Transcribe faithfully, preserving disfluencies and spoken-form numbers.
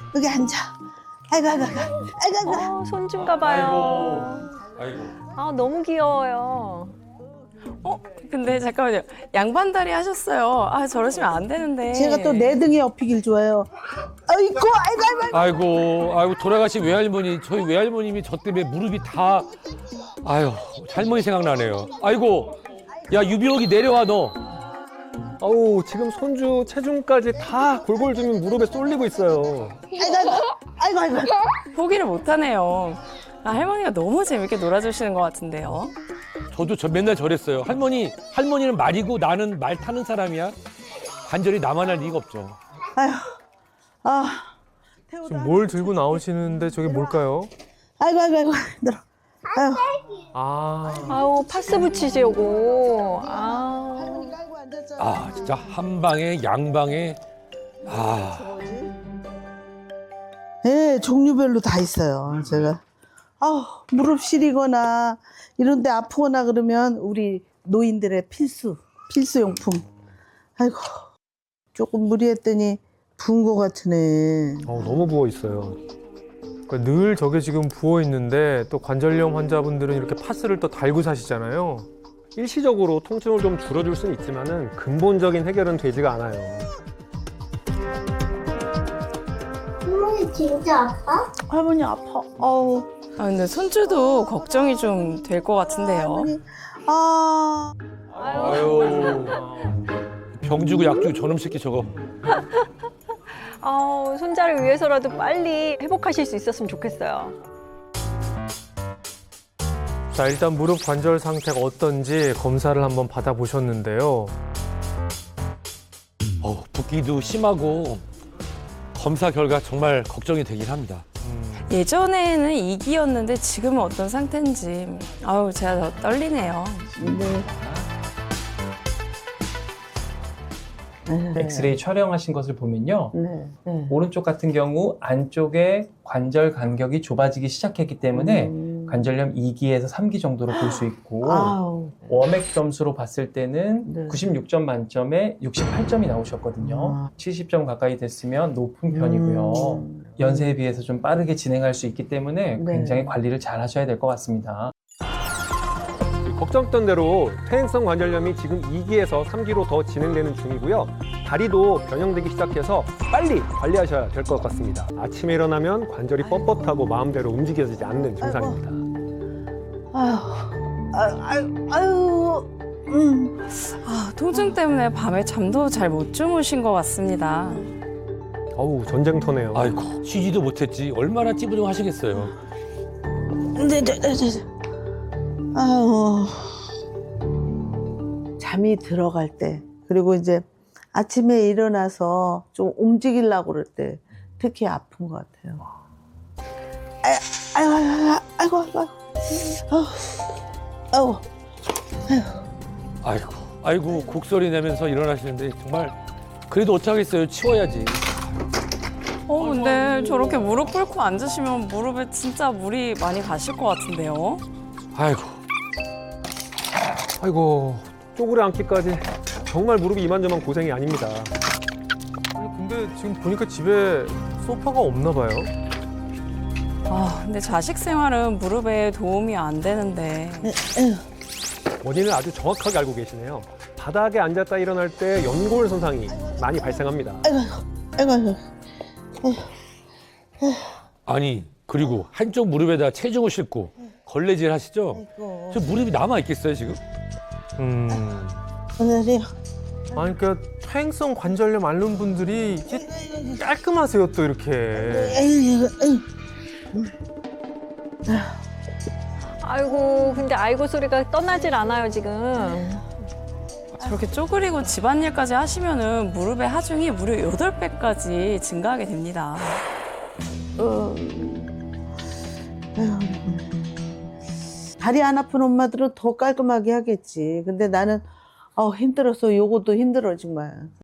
여기 앉아. 아이고, 아이고, 아이고, 아이고, 아이고. 어, 손주인가 봐요. 아이고. 아, 너무 귀여워요. 어? 근데 잠깐만요. 양반다리 하셨어요. 아, 저러시면 안 되는데. 제가 또 내 등에 업히길 좋아해요. 아이고, 아이고, 아이고. 아이고, 아이고, 돌아가신 외할머니, 저희 외할머님이 저 때문에 무릎이 다, 아유, 할머니 생각나네요. 아이고, 야, 유비옥이 내려와, 너. 아우 지금 손주 체중까지 다 골골주면 무릎에 쏠리고 있어요. 아이고, 아이고, 아이고, 아이고. 포기를 못하네요. 아, 할머니가 너무 재밌게 놀아주시는 것 같은데요. 저도 저 맨날 저랬어요. 할머니, 할머니는 말이고 나는 말 타는 사람이야. 관절이 나만 할 리가 없죠. 아휴, 아. 지금 뭘 들고 나오시는데 저게 뭘까요? 아이고, 아이고, 아이고, 힘들어. 아유. 아, 아우, 파스 붙이시려고. 아. 아, 진짜 한 방에, 양방에, 아. 예, 종류별로 다 있어요, 제가. 아우, 무릎 시리거나 이런 데 아프거나 그러면 우리 노인들의 필수, 필수용품. 아이고, 조금 무리했더니 부은 것 같으네. 어, 너무 부어 있어요. 그러니까 늘 저게 지금 부어 있는데 또 관절염 환자분들은 이렇게 파스를 또 달고 사시잖아요. 일시적으로 통증을 좀 줄여줄 수는 있지만은 근본적인 해결은 되지가 않아요. 할머니 진짜 아파? 할머니 아파. 아우. 아, 근데 손주도 걱정이 좀 될 것 같은데요. 할머니, 아. 아유. 병 주고 약 주고 저놈 새끼 저거. 아우, 손자를 위해서라도 빨리 회복하실 수 있었으면 좋겠어요. 자, 일단 무릎 관절 상태가 어떤지 검사를 한번 받아보셨는데요. 어, 붓기도 심하고 검사 결과 정말 걱정이 되긴 합니다. 예전에는 이기였는데 지금은 어떤 상태인지. 아우, 제가 더 떨리네요. 네. 엑스레이 촬영하신 것을 보면요. 네. 네. 오른쪽 같은 경우 안쪽에 관절 간격이 좁아지기 시작했기 때문에 음. 관절염 이 기에서 삼 기 정도로 볼 수 있고 아우. 워맥 점수로 봤을 때는 네. 구십육 점 만점에 육십팔 점이 나오셨거든요. 아. 칠십 점 가까이 됐으면 높은 편이고요. 음. 연세에 비해서 좀 빠르게 진행할 수 있기 때문에 네. 굉장히 관리를 잘 하셔야 될 것 같습니다. 걱정했던 대로 퇴행성 관절염이 지금 이 기에서 삼 기로 더 진행되는 중이고요. 다리도 변형되기 시작해서 빨리 관리하셔야 될 것 같습니다. 아침에 일어나면 관절이 뻣뻣하고 마음대로 움직여지지 않는 증상입니다. 아유. 아유, 아유, 아유. 음. 아, 통증 때문에 밤에 잠도 잘 못 주무신 것 같습니다. 어우, 전쟁터네요. 아이고, 쉬지도 못했지. 얼마나 찌부둥 하시겠어요. 네, 네, 네, 네. 아유. 잠이 들어갈 때, 그리고 이제 아침에 일어나서 좀 움직이려고 그럴 때 특히 아픈 것 같아요. 아유, 아유, 아유, 아이고, 아이고, 아이고, 아이고, 아이고, 아이고, 곡소리 내면서 일어나시는데 정말 그래도 어쩌겠어요. 치워야지. 어, 근데 저렇게 무릎 꿇고 앉으시면 무릎에 진짜 물이 많이 가실 것 같은데요. 아이고. 아이고, 쪼그려 앉기까지 정말 무릎이 이만저만 고생이 아닙니다. 아니, 근데 지금 보니까 집에 소파가 없나 봐요. 아, 근데 자식 생활은 무릎에 도움이 안 되는데. 원인을 아주 정확하게 알고 계시네요. 바닥에 앉았다 일어날 때 연골 손상이 많이 발생합니다. 아이고, 아이고. 아니, 그리고 한쪽 무릎에다 체중을 싣고 걸레질 하시죠? 아이고. 저 무릎이 남아 있겠어요, 지금? 음. 오늘이요. 아니, 그러니까 퇴행성 관절염 앓는 분들이 이게 깔끔하세요, 또 이렇게. 아이고, 아이고. 아이고, 근데 아이고 소리가 떠나질 않아요, 지금. 저렇게 쪼그리고 집안일까지 하시면은 무릎의 하중이 무려 여덟 배까지 증가하게 됩니다. 어. 아이고. 다리 안 아픈 엄마들은 더 깔끔하게 하겠지. 근데 나는 어, 힘들어서 요것도 힘들어 정말.